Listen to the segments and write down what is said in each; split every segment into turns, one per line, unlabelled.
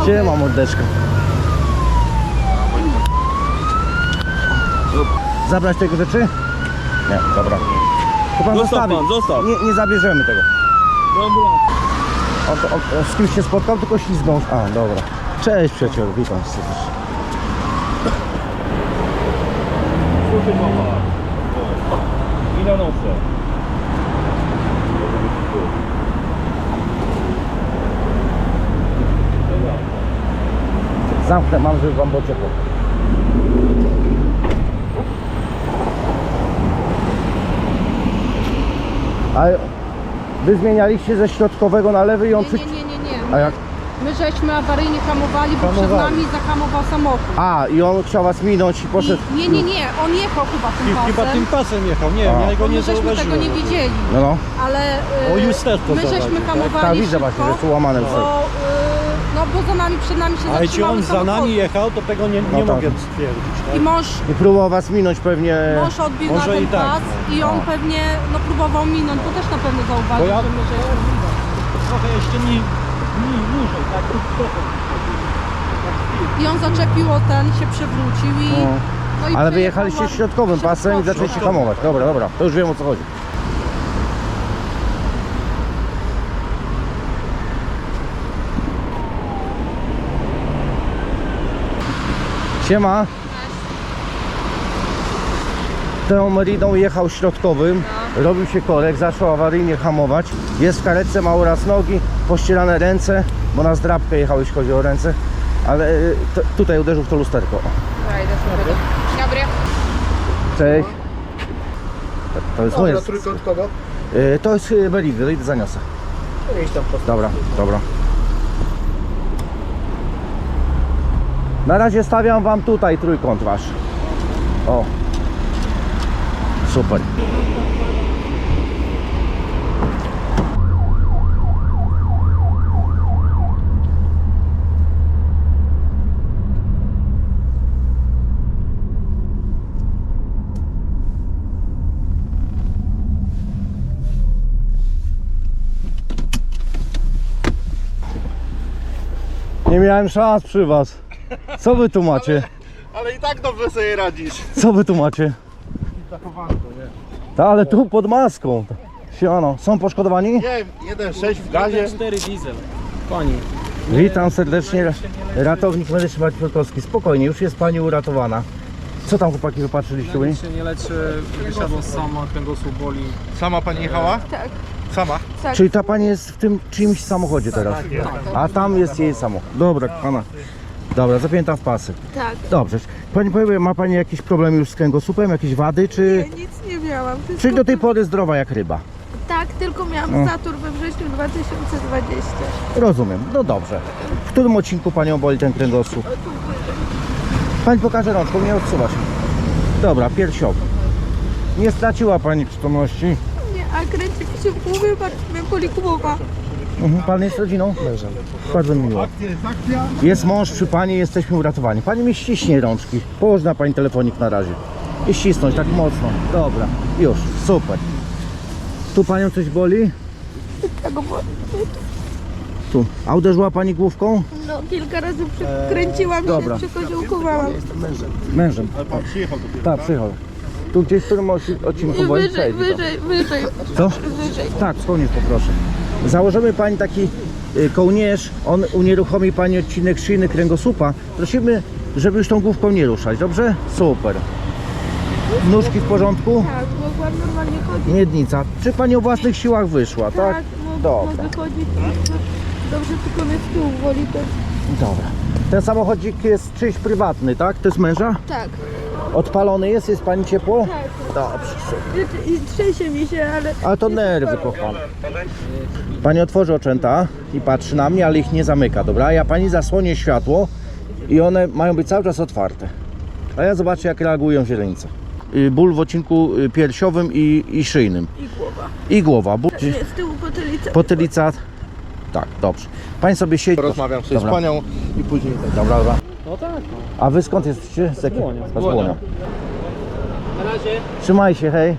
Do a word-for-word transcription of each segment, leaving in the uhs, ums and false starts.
Siema mordeczka. Zabrać tego rzeczy? Nie, dobra. To pan
Zostaw
zostawi.
pan, zostaw.
Nie, nie zabierzemy tego.
Dobra.
On, on, on z kimś się spotkał, tylko ślizgnął. A, dobra. Cześć przyjacielu, witam serdecznie.
Słuchaj mama. I na nosę.
Zamknę, mam, żeby wam było ciepło. A wy zmienialiście ze środkowego na lewy i on...
Nie, nie, nie, nie, nie.
A jak?
My żeśmy awaryjnie hamowali, bo przed
Hamowali.
nami zahamował samochód.
A, i on chciał was minąć i poszedł...
I, nie, nie, nie, on jechał chyba tym pasem.
Chyba tym pasem jechał, nie wiem,
A.
ja go
Bo
nie
my żeśmy
zauważyłem.
tego nie widzieli,
No, no.
ale
O,
y,
już też to
my żeśmy
zauważył, tak?
hamowali
Tak, widzę
szybko,
właśnie, że jest ułamane
bo,
wszystko.
y, no bo za nami, przed nami się
Ale czy
zatrzymały
on za
samochody.
nami jechał, to tego nie, nie
No tak.
mogę stwierdzić.
I
Tak?
mąż,
I próbował was minąć pewnie...
mąż odbił
Może
na ten
i tak,
pas i on
No.
pewnie no, próbował minąć, to też na pewno zauważył,
Bo ja-
że my żeśmy...
Trochę jeszcze nie, nie dłużej, tak? Trochę.
I on zaczepił o ten, się przewrócił i...
No.
No i
Ale
przejechał
wyjechaliście
ładnie.
środkowym pasem i
Środkowy.
zaczęliście hamować. Dobra, dobra, to już wiem o co chodzi. Siema. Tą Meridą jechał środkowym, robił się korek, zaczął awaryjnie hamować. Jest w karetce, ma uraz nogi, pościelane ręce, bo na zdrabkę jechał, jeśli chodzi o ręce. Ale y, t- tutaj uderzył w to lusterko.
Dobry.
Cześć. To jest moje.
Dobra, trójkąt kogo?
Y, To jest y, Meridy, idę zaniosę.
Idź tam po
Dobra, dobra. Na razie stawiam wam tutaj trójkąt wasz. O. Super. Nie miałem szans przy was. Co wy tu macie?
Ale i tak dobrze sobie radzisz.
Co wy tu macie?
Zachowanko, nie?
Ta, ale tu pod maską. Siano, są poszkodowani?
Nie wiem, jeden sześć w gazie.
cztery diesel. Pani.
Witam serdecznie, ratownik medyczny Maciej Piotrkowski. Spokojnie, już jest pani uratowana. Co tam chłopaki wypatrzyliście u niej?
się nie leczy, wysiadło sama, kręgosłup boli.
Sama pani jechała?
Tak.
Sama?
Czyli ta pani jest w tym czyimś samochodzie teraz? A tam jest jej samochód. Dobra, pana. Dobra, zapięta w pasy.
Tak.
Dobrze. Pani powie, ma pani jakiś problem już z kręgosłupem, jakieś wady, czy...
Ja nic nie miałam. Wszystko...
Czyli do tej pory zdrowa jak ryba?
Tak, tylko miałam
No.
zator we wrześniu dwa tysiące dwudziestym.
Rozumiem, no dobrze. W którym odcinku panią boli ten kręgosłup? Pani pokaże rączką, nie odsuwa się. Dobra, piersiowy. Nie straciła pani przytomności.
Nie, a kręci mi się w głowie, bardzo mnie boli głowa.
Mhm. Pan jest rodziną? Mężem. Bardzo mi miło. Jest mąż przy pani, jesteśmy uratowani. Pani mi ściśnie rączki. Położ na pani telefonik na razie. I ścisnąć tak mocno. Dobra, już, super. Tu panią coś boli?
Tak, bo
Tu. A uderzyła pani główką?
no, kilka razy przekręciłam
dobra.
się, przykoziołkowałam.
Mężem.
Ale pan przyjechał dopiero.
Tak, przyjechał. Tu gdzieś w którym osi- odcinku boli?
Wyżej,
Przejdź, to.
wyżej, wyżej,
Co?
wyżej.
Tak, wspomnieć poproszę. Założymy pani taki y, kołnierz, on unieruchomi pani odcinek szyjny kręgosłupa. Prosimy, żeby już tą główką nie ruszać, dobrze? Super. Nóżki w porządku?
Tak, mogłam normalnie chodzić.
Miednica. Czy pani o własnych siłach wyszła, tak?
Tak, mo-
Dobra.
mogę chodzić. Dobrze, tylko mnie z tyłu boli też.
Dobra. Ten samochodzik jest czyjś prywatny, tak? To jest męża?
Tak,
Odpalony jest? Jest pani ciepło?
tak.
Dobrze, super.
I, i trzęsie mi się, ale...
Ale to nerwy, kochane. Pani otworzy oczęta i patrzy na mnie, ale ich nie zamyka, dobra? Ja pani zasłonię światło i one mają być cały czas otwarte. A ja zobaczę, jak reagują źrenice. Y, Ból w odcinku y, piersiowym i, i szyjnym.
I głowa.
I głowa. Ból,
Nie, z tyłu potylica.
potylica. Tak, dobrze. Pani sobie siedzi.
Rozmawiam sobie
Dobra.
z panią i później tak.
Dobra, dobra.
No tak, no.
A wy skąd jesteście? Z jakiego?
Błonia.
Z Błonia.
Na razie.
Trzymaj się, hej.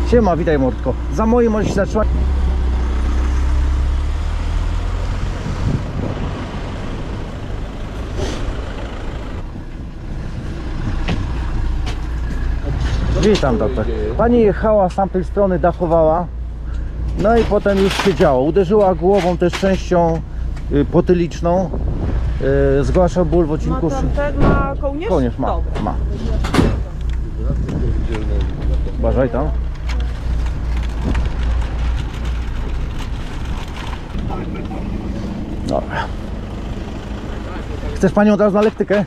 Siema, witaj mordko. Za moim możesz się zatrzymać. Witam doktor. Pani jechała z tamtej strony, dachowała. No i potem już się działo. Uderzyła głową też częścią y, potyliczną. Y, zgłasza ból w odcinku.
Ma kołnierz?
Kołnierz ma. ma. Uważaj tam. Dobra. Chcesz panią od razu na lektykę?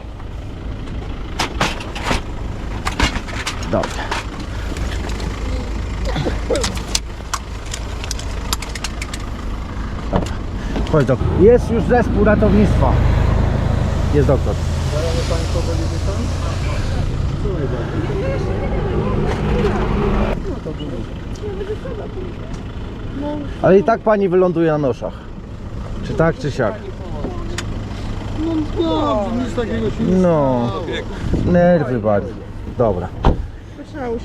Dobrze. Dobra. Chodź doktor. Jest już zespół ratownictwa. Jest doktor. Ale i tak pani wyląduje na noszach. Czy tak, czy siak?
No, nic takiego się nie
No. Nerwy bardzo. Dobra.
Trzeba usiąść.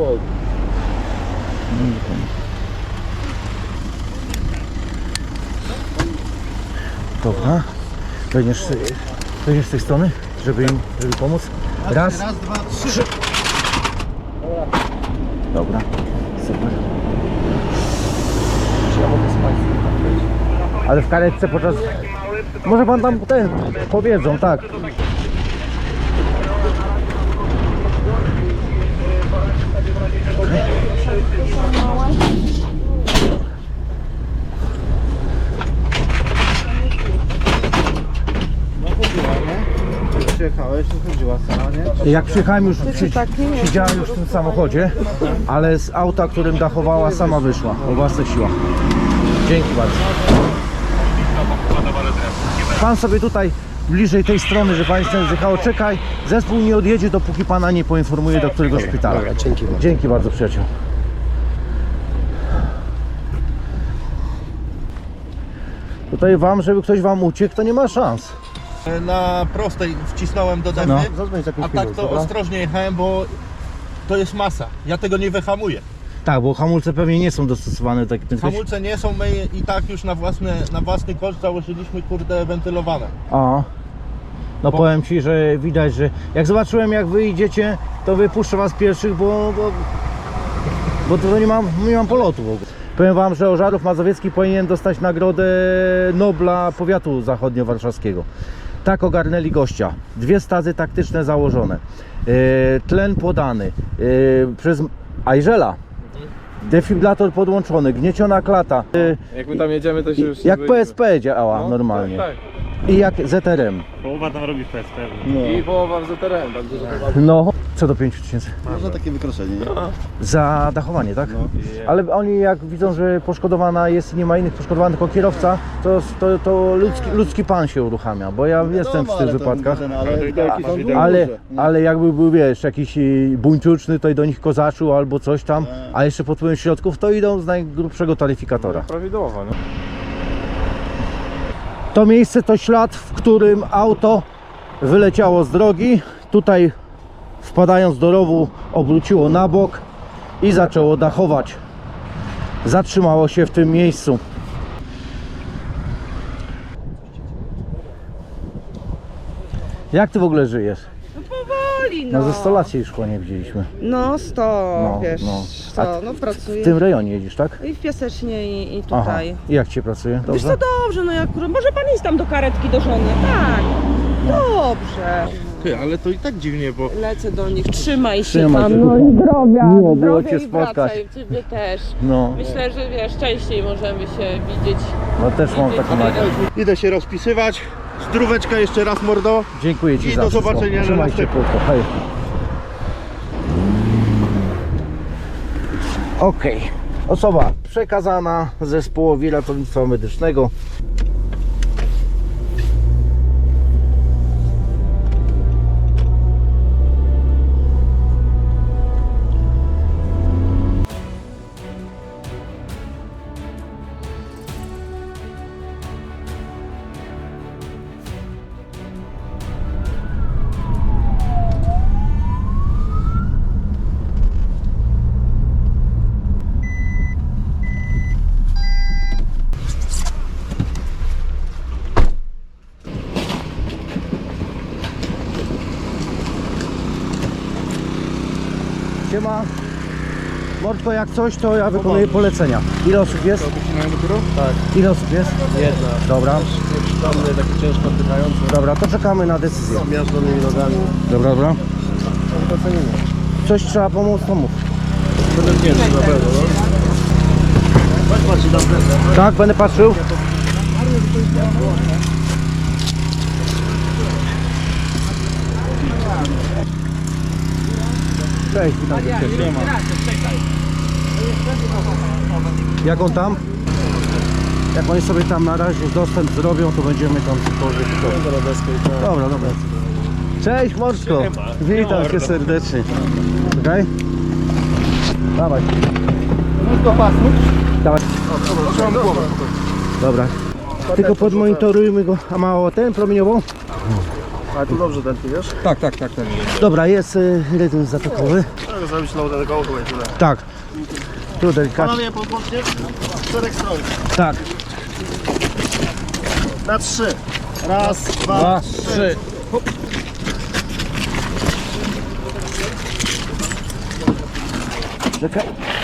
Dobra. Będziesz, będziesz z tej strony, żeby im żeby pomóc? Raz.
Raz, dwa, trzy.
Dobra. Super. Czy ja mogę spać? Ale w karetce podczas... Może pan tam ten powiedzą, tak.
Przyjechałeś, to chodziła sama, nie?
Jak przyjechałem już, przy, siedziałem już w tym samochodzie, ale z auta, którym dachowała, sama wyszła o własnych siłach. Dzięki bardzo. Pan sobie tutaj bliżej tej strony, że państwo zjechało, czekaj, zespół nie odjedzie, dopóki pana nie poinformuje, do którego szpitala.
Dobra, dzięki bardzo.
Dzięki bardzo, przyjaciół. Tutaj wam, żeby ktoś wam uciekł, to nie ma szans.
Na prostej wcisnąłem do dęby,
No.
a tak to ostrożnie jechałem, bo to jest masa. Ja tego nie wyhamuję.
Tak, bo hamulce pewnie nie są dostosowane do takiej prędkości.
Hamulce nie są, my i tak już na, własne, na własny koszt założyliśmy, kurde, wentylowane.
A. No
Bo-
powiem ci, że widać, że jak zobaczyłem jak wy idziecie, to wypuszczę was pierwszych, bo, bo, bo to nie mam, nie mam polotu w ogóle. Powiem wam, że Ożarów Mazowiecki powinien dostać nagrodę Nobla Powiatu Zachodniowarszawskiego. Tak ogarnęli gościa. Dwie stazy taktyczne założone. E, tlen podany. E, przez Ajżela. Defibrylator podłączony, gnieciona klata. E,
Jak my tam jedziemy, to się już...
jak
nie
P S P działa
No,
normalnie.
Tak,
I jak Z R M.
Połowa tam robi fest pewnie.
No.
tak. I połowa w Z T R M, także to chyba...
No, co do pięciu tysięcy.
Można takie wykroczenie, nie?
Za dachowanie, tak? Ale oni jak widzą, że poszkodowana jest i nie ma innych poszkodowanych tylko kierowca, to, to, to ludzki, ludzki pan się uruchamia, bo ja jestem w tych wypadkach. Ale, ale jakby był, wiesz, jakiś y, buńczuczny, to i do nich kozaczył albo coś tam, a jeszcze pod wpływem środków, to idą z najgrubszego taryfikatora.
Prawidłowo, no.
To miejsce to ślad, w którym auto wyleciało z drogi. Tutaj wpadając do rowu obróciło na bok i zaczęło dachować. Zatrzymało się w tym miejscu. Jak ty w ogóle żyjesz?
Powoli,
No
no.
ze sto lat się już szkła nie widzieliśmy.
No sto,
No,
wiesz,
no.
co,
A
no pracuję.
W tym rejonie jedziesz, tak?
I w Piasecznie i, i
Aha.
tutaj.
I jak cię pracuje?
Wiesz
Dobrze?
co, dobrze, no jak może pan iść tam do karetki do żony, tak. Dobrze.
Ty, ale to i tak dziwnie, bo
Lecę do nich, trzymaj się
Trzymaj
pan,
się.
no i zdrowia,
Miło było
zdrowia
cię
i
spotkać.
wracaj, ciebie też.
No,
Myślę, że wiesz, częściej możemy się widzieć.
no też mam taką nadzieję.
idę się rozpisywać. Zdróweczka jeszcze raz, mordo.
Dziękuję ci
I
za
do
wszystko.
zobaczenia na
Trzymaj się
następnym.
krótko. Hej. Okej. Osoba przekazana zespołowi ratownictwa medycznego. Siema. Mordko, jak coś, to ja wykonuję polecenia. Ile osób jest?
Tak,
Ile osób jest?
jedna.
Dobra.
Przytomny, taki ciężko oddychający.
Dobra, to czekamy na decyzję.
Z miażdżonymi nogami.
Dobra, dobra.
To cenimy.
Coś trzeba pomóc, to mów.
Będę wdzięczny na pewno, no.
Tak, będę patrzył. Cześć, witam cię. Jak on tam? Jak oni sobie tam na razie dostęp zrobią, to będziemy tam cokolwiek. Dobra, dobra. Cześć Morsko. Witam cię serdecznie. Okej? Dawaj. Dawaj. Dobra. Tylko podmonitorujmy go. A mało ten promieniową?
Ale tu dobrze ten, wiesz?
Tak, tak, tak, tak.
Dobra, jest y, rytm zatokowy.
Mogę zrobić low tego koło i tyle.
Tak. Tu delikatnie.
Panowie, podłącznie z czterech stron.
Tak.
Na trzy. Raz, dwa,
Dwa,
trzy.
trzy. Czekaj.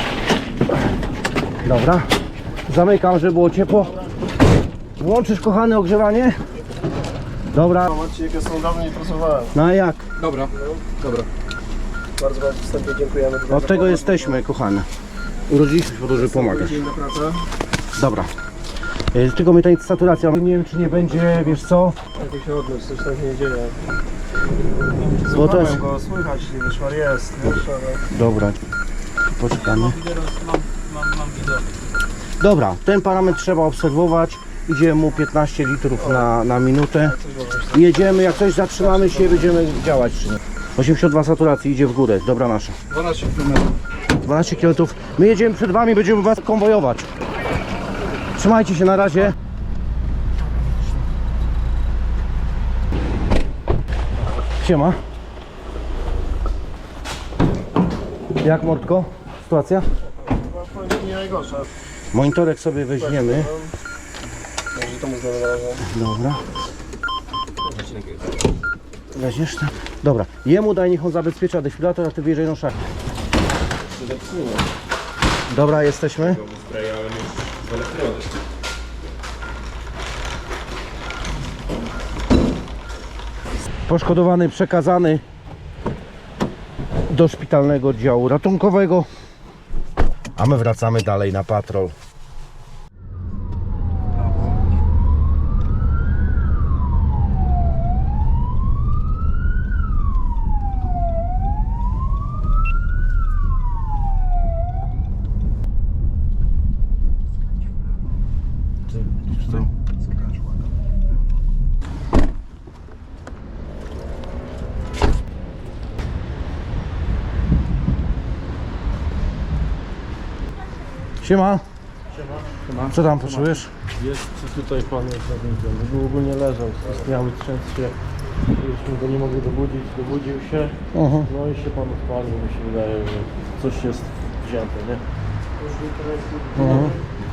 Dobra. Zamykam, żeby było ciepło. Włączysz, kochany, ogrzewanie? Dobra.
Zobaczcie, jakie są dawno nie pracowałem.
No a jak?
Dobra, dobra.
Bardzo bardzo wstępnie dziękujemy.
Od tego jesteśmy, kochany. Urodziliśmy się po to, żeby pomagać.
Dzień na pracę.
Dobra. Y, Tylko mnie ta saturacja. Nie wiem, czy nie będzie, wiesz co?
Jak się odnieść, coś tam się nie dzieje.
Bo to jest...
Słuchałem go, słychać, wyszwar jest, wiesz, ale...
Dobra. Poczekamy.
Mam, mam, mam widok.
Dobra, ten parametr trzeba obserwować. Idzie mu piętnaście litrów na, na minutę. Jedziemy, jak coś zatrzymamy się, będziemy działać. osiemdziesiąt dwa saturacji, idzie w górę. Dobra nasza.
dwanaście kilometrów.
dwanaście kilometrów. My jedziemy przed wami, będziemy was konwojować. Trzymajcie się na razie. Siema. Jak Mordko? Sytuacja?
Nie najgorsza.
Monitorek sobie weźmiemy.
Także to mu znowu należy.
Dobra. Weźmiesz to? Dobra. Jemu daj, niech on zabezpiecza defibrator, a ty wyjeżdżaj na szach. Dobra, jesteśmy. Poszkodowany przekazany do szpitalnego oddziału ratunkowego, a my wracamy dalej na patrol. Siema. Siema. Co tam potrzebujesz?
Jest tutaj pan jest zawiniony. Był ogólnie leżał, istniały trzęsł się. Żeśmy go nie mogli dobudzić, dobudził się.
Uh-huh.
No i się pan odpalił, mi się wydaje, że coś jest wzięte, nie?
Uh-huh.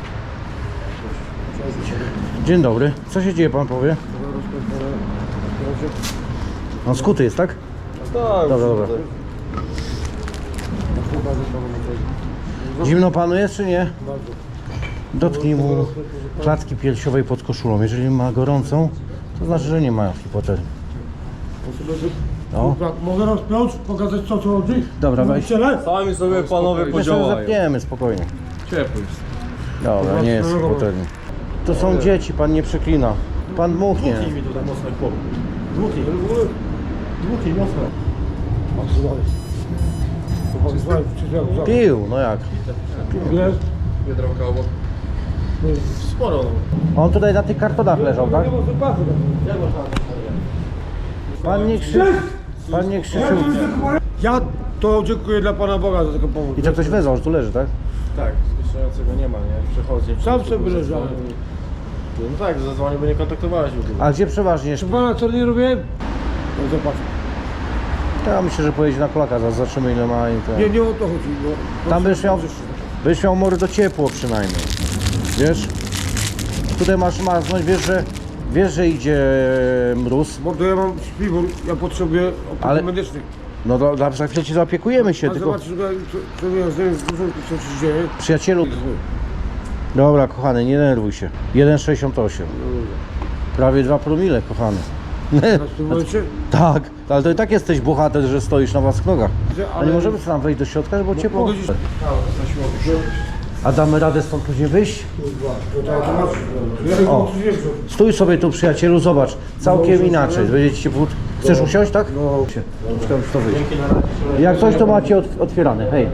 Dzień dobry. Co się dzieje, pan powie? On skuty jest, tak?
Tak,
Dobra, dobra. Zimno panu jest, czy nie? Dotknij mu klatki piersiowej pod koszulą. Jeżeli ma gorącą, to znaczy, że nie ma hipotermii. No.
Mogę rozpiąć, pokazać co co chodzi?
Dobra, weź.
Sami sobie panowie
My sobie zapniemy spokojnie.
Ciepły.
Dobra, nie jest hipotermii. To są dzieci, pan nie przeklina. Pan dmuchnie.
Dmuchnij mi tutaj mocno chłop.
Dmuchnij, dmuchnij mocno. Patrz dalej. To pan zwań, przyjrzał,
Pił, no jak?
Wiesz?
Biedronka obok. Sporo.
On tutaj na tych kartonach leżał, tak? Pan nie krzyczy. Pan nie krzyczył.
Ja to dziękuję dla Pana Boga za taką pomoc.
I to ktoś wezwał, że tu leży, tak?
Tak, zniszczającego nie ma, nie? Przechodzi.
Sam sobie leżałem.
No tak, zadzwonił, bo nie kontaktowałeś w ogóle.
A gdzie przeważnie?
Czy Pana co nie robię? No zobacz.
Ja myślę, że pojedzie na kolaka, zaraz zobaczymy ile ma i
Nie,
ten.
nie o to chodzi. Bo...
Tam byś miał, byś miał mordo ciepło przynajmniej. Wiesz? Tutaj masz maznąć, wiesz, że wiesz, że idzie mróz,
Bo to ja mam śpiwór, ja potrzebuję opieki
Ale-
medycznej.
No do, dobrze, za chwilę ci zaopiekujemy się,
A
tylko
zobacz, co, co mnie z co się dzieje.
przyjacielu. Dobra, kochany, nie denerwuj się. jeden sześćdziesiąt osiem. Prawie dwa promile, kochany.
W tym momencie?
Tak, ale to i tak jesteś bohater, że stoisz na własnych nogach. A nie
Ale-
możemy sobie tam wejść do środka, bo ciepło.
Mogę gdzieś...
A damy radę stąd później wyjść?
To to automatycznie. Ja tylko
O.
coś wiem, co...
Stój sobie tu, przyjacielu, zobacz. Całkiem inaczej. Będziecie się wód. Chcesz usiąść, tak?
No.
Poczekam, czy to wyjść. Jak coś, to macie ot- otwierane. Hej.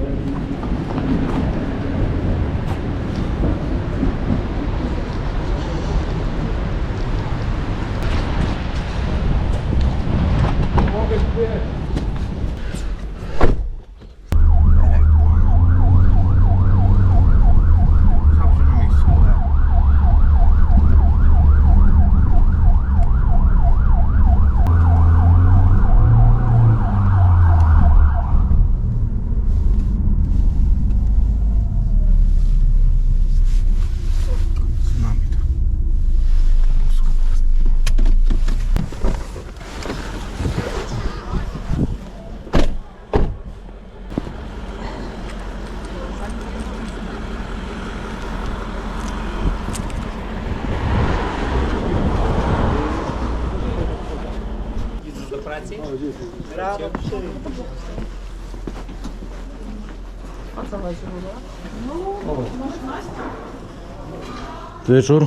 Wieczór.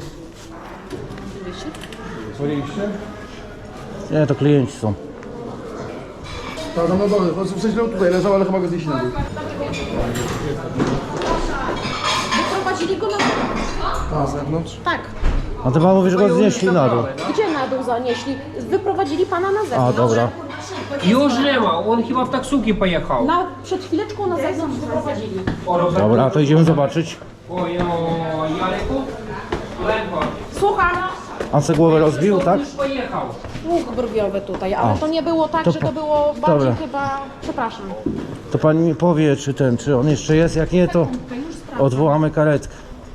Dzwoniliście?
Nie, to klienci są.
Tak, no dobra, w sensie no tutaj leżał, ale chyba go zjeść na dół.
Wyprowadzili go na dół.
Na zewnątrz?
Tak.
A ty pan mówi, że go znieśli na dół.
Gdzie na dół zanieśli? Wyprowadzili pana na
A,
zewnątrz.
dobra.
Już nie ma, on chyba w taksówki pojechał.
Na, przed chwileczką na zewnątrz wyprowadzili.
Dobra, to idziemy zobaczyć.
Oj, oj, Jaleku? Ledwo.
Słucham.
On se głowę rozbił, tak?
Już pojechał.
Łuk brwiowy tutaj, ale
A.
to nie było tak,
To
że
po-
to było bardziej
Dobra.
chyba... Przepraszam.
To pani mi powie, czy ten, czy on jeszcze jest. Jak nie, to odwołamy karetkę.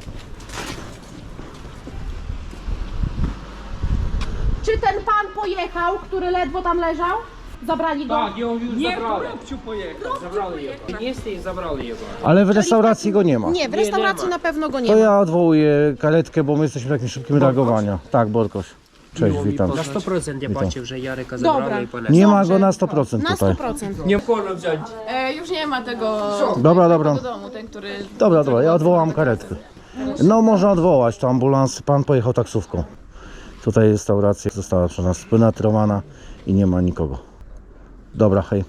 Czy ten pan pojechał, który ledwo tam leżał? Zabrali go?
Tak, ją już zabrali. Nie, pojechał, zabrali jego. Niestety zabrali jego.
Ale w restauracji go nie ma.
Nie, w restauracji na pewno go nie
To
ma.
ja odwołuję karetkę, bo my jesteśmy w takim szybkim reagowaniu. Tak, Borkoś. Cześć, witam.
Na sto procent ja patrzę, że Jareka
Dobra.
zabrali i ponesli.
Nie ma go na sto procent
Na
tutaj.
sto procent.
Nie wolno wziąć.
E, już nie ma tego
Dobra, dobra.
do domu, ten, który...
Dobra, dobra, ja odwołam karetkę. No można odwołać, to ambulans, pan pojechał taksówką. Tutaj restauracja została przez nas spenetrowana i nie ma nikogo. Dobra, hej.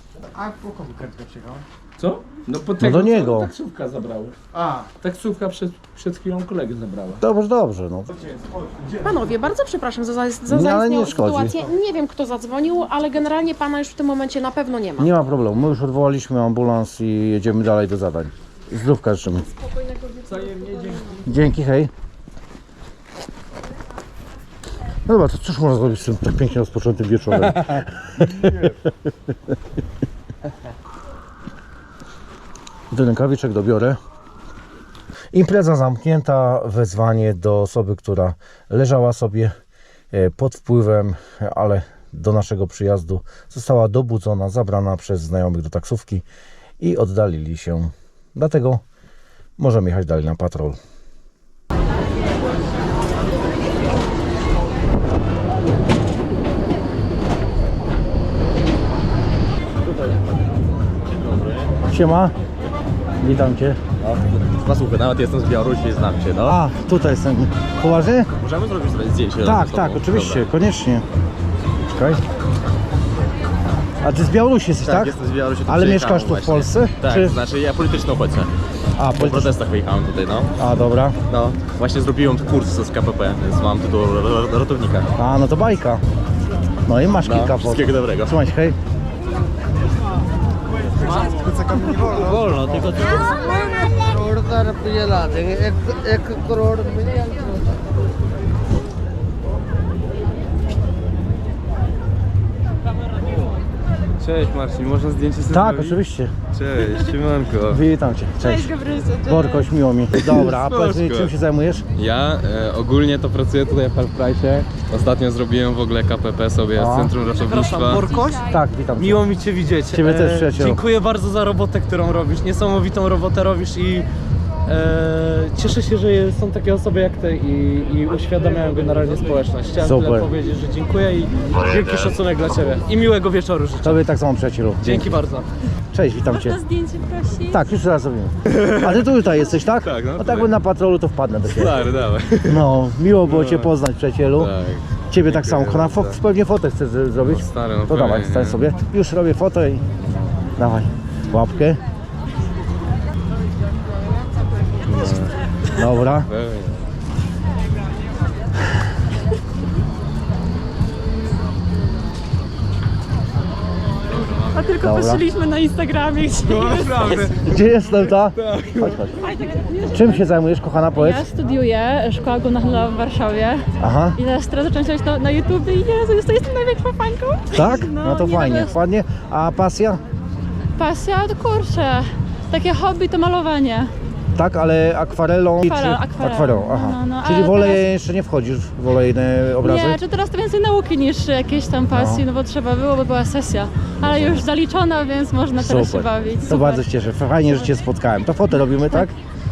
Co? No po
No
tego,
do
co
niego.
taksówka zabrała. A, taksówka przed, przed chwilą kolegę zabrała.
Dobrze, dobrze, no.
Panowie, bardzo przepraszam za, za
Nie, ale nie
zaistniałą
szkodzi.
sytuację. Nie wiem, kto zadzwonił, ale generalnie pana już w tym momencie na pewno nie ma.
Nie ma problemu, my już odwołaliśmy ambulans i jedziemy dalej do zadań. Zdrówka życzymy. Dzięki, hej. No dobra, to cóż można zrobić z tym tak pięknie rozpoczętym wieczorem? Ten rękawiczek dobiorę. Impreza zamknięta, wezwanie do osoby, która leżała sobie e, pod wpływem, ale do naszego przyjazdu została dobudzona, zabrana przez znajomych do taksówki i oddalili się. Dlatego możemy jechać dalej na patrol. Siema, witam Cię.
No, słuchaj, nawet jestem z Białorusi, znam Cię, no.
A, tutaj jestem. Poważnie?
Możemy zrobić sobie zdjęcie?
Tak,
ze
tak,
sobą?
oczywiście,
Dobra.
koniecznie. Czekaj. A Ty z Białorusi jesteś, tak?
Tak, jestem z Białorusi. tu
Ale
przyjechałem
mieszkasz tu w
właśnie.
Polsce?
Tak,
Czy-
znaczy ja polityczny uchodźca.
A,
Po
polityczny.
protestach wyjechałem tutaj, no.
A, dobra.
No, właśnie zrobiłem kurs z K P P, więc mam tytuł ro- ratownika.
A, no to bajka. No i masz
No,
kilka
wszystkiego dobrego.
Trzymaj się, hej.
Wolno, tylko to...
Cześć Marcin, można zdjęcie sobie
Tak,
zrobić?
oczywiście.
Cześć, siemanko.
Witam cię. Cześć. Borkoś, miło mi. Dobra, a powiedz mi, czym się zajmujesz?
Ja e, ogólnie to pracuję tutaj w Halfprice. Ostatnio zrobiłem w ogóle K P P sobie
A.
z Centrum Ratownictwa.
Borkoś?
Tak, witam cię.
Miło mi Cię widzieć.
Ciebie też, przyjacielu.
Dziękuję bardzo za robotę, którą robisz. Niesamowitą robotę robisz i e, cieszę się, że są takie osoby jak Ty i, i uświadamiają generalnie społeczność. Chciałem
Super.
tyle powiedzieć, że dziękuję i wielki szacunek dla Ciebie. I miłego wieczoru życzę.
Tobie tak samo, przyjacielu.
Dzięki bardzo.
Cześć, witam cię.
Zdjęcie prosi.
Tak, już zaraz zrobimy. A ty tu tutaj jesteś, tak?
Tak, no
No tak
tutaj.
by na patrolu to wpadnę do ciebie.
Stary, dawaj.
No, miło było cię poznać, przyjacielu.
Tak.
Ciebie tak samo.
Dziękuję
Na fo-
bardzo.
pewnie fotę chcesz z- zrobić?
No stary, no
to dawaj,
pewnie,
stań
nie?
sobie. Już robię fotę i dawaj. Łapkę. Dobra.
Pewnie.
A tylko
Dobra.
patrzyliśmy na Instagramie, gdzie
No naprawdę.
Gdzie jestem, ta? Chodź, chodź. Czym się zajmujesz, kochana, powiedz?
ja studiuję Szkoła Główna w Warszawie
Aha,
i teraz, teraz zaczęłam się na, na YouTube i Jezu, jest- to jestem największą fanką.
tak?
No,
No to
nie,
fajnie,
no,
ładnie. A pasja?
Pasja, to kurczę, takie hobby to malowanie.
Tak, ale akwarelą
Akwarel,
czy
akwarel.
akwarelą? Aha.
No, no,
Czyli
ale
w oleje
teraz-
jeszcze nie wchodzisz w olejne obrazy?
Nie, czy teraz to więcej nauki niż jakieś tam pasji, no, bo trzeba było, bo była sesja. Ale już zaliczona, więc można teraz się
Super.
bawić.
To
Super.
bardzo się cieszę. Fajnie, że cię spotkałem. To fotę robimy, tak?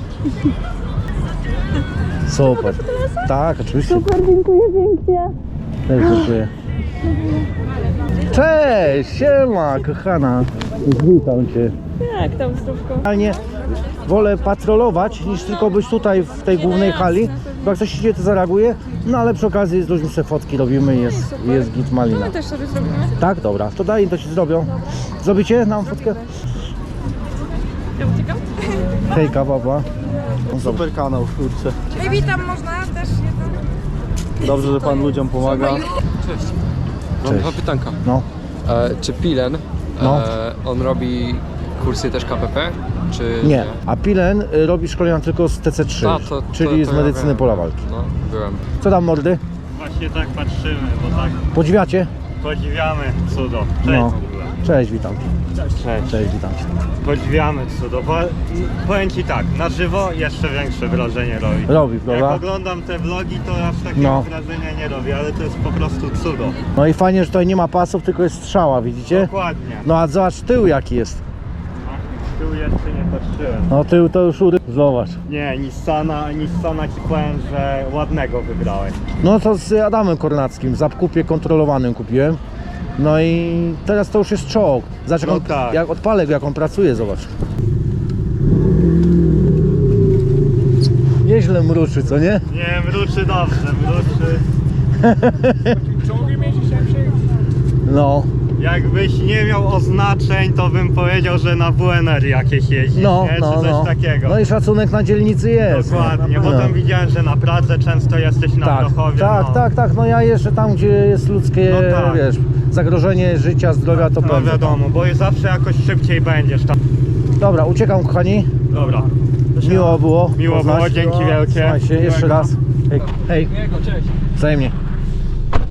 Super. Tak, oczywiście.
Super, dziękuję pięknie.
Też dziękuję. Cześć, siema, kochana. Witam cię.
Jak tam zdrówko?
Realnie wolę patrolować, niż tylko być tutaj w tej głównej hali, bo jak coś się dzieje, to zareaguję. No ale przy okazji z ludźmi sobie fotki robimy i jest, jest git malina.
My też sobie zrobimy.
Tak, dobra, to daj, to ci zrobią. Zrobicie nam fotkę?
Ja uciekam?
Hejka, baba.
Super kanał, kurczę.
Witam, można też
Dobrze, że pan ludziom pomaga.
Mam
Cześć.
dwa pytanka.
No,
E, czy Pilen,
No.
e, on robi kursy też K P P? Czy
nie. A Pilen y, robi szkolenia tylko z T C trzy,
A, to- to-
czyli
to
z
ja
medycyny
wiem.
pola walki.
No, byłem.
Co tam, mordy?
Właśnie tak patrzymy, bo tak
Podziwiacie?
podziwiamy cudo.
No. Cześć, witam.
Cześć.
Cześć, witam cię.
Podziwiamy cudo. Bo, powiem Ci tak, na żywo jeszcze większe wrażenie robi.
Robi,
Jak
prawda?
oglądam te vlogi, to aż takiego
No.
wrażenia nie robię, ale to jest po prostu cudo.
No i fajnie, że tutaj nie ma pasów, tylko jest strzała, widzicie?
Dokładnie.
No a zobacz tył jaki jest.
A, tył jeszcze nie patrzyłem.
No tył to już ury... Zobacz.
Nie, Nissana, Nissana Ci powiem, że ładnego wybrałeś.
No to z Adamem Kornackim w zakupie kontrolowanym kupiłem. No i teraz to już jest czołg. Zobacz, jak,
No
on,
tak.
jak odpalę go, jak on pracuje, zobacz. Nieźle mruczy, co nie?
Nie, mruczy dobrze, mruczy.
No,
Jakbyś nie miał oznaczeń, to bym powiedział, że na W N R jakieś jeździsz,
no,
nie? Czy
no,
coś
no.
takiego.
No i szacunek na dzielnicy jest.
Dokładnie, bo
No.
tam widziałem, że na Pradze często jesteś na
Tak,
Grochowie.
tak,
no.
tak, tak, no ja jeszcze tam, gdzie jest ludzkie,
No tak.
wiesz, zagrożenie życia, zdrowia, to
No
pewnie.
wiadomo, bo zawsze jakoś szybciej będziesz tam.
Dobra, uciekam, kochani.
Dobra.
Miło było.
Miło
poznać.
było, dzięki wielkie.
Słuchajcie, jeszcze
Miłego.
raz. Hej, hej.
Cześć.
Wzajemnie.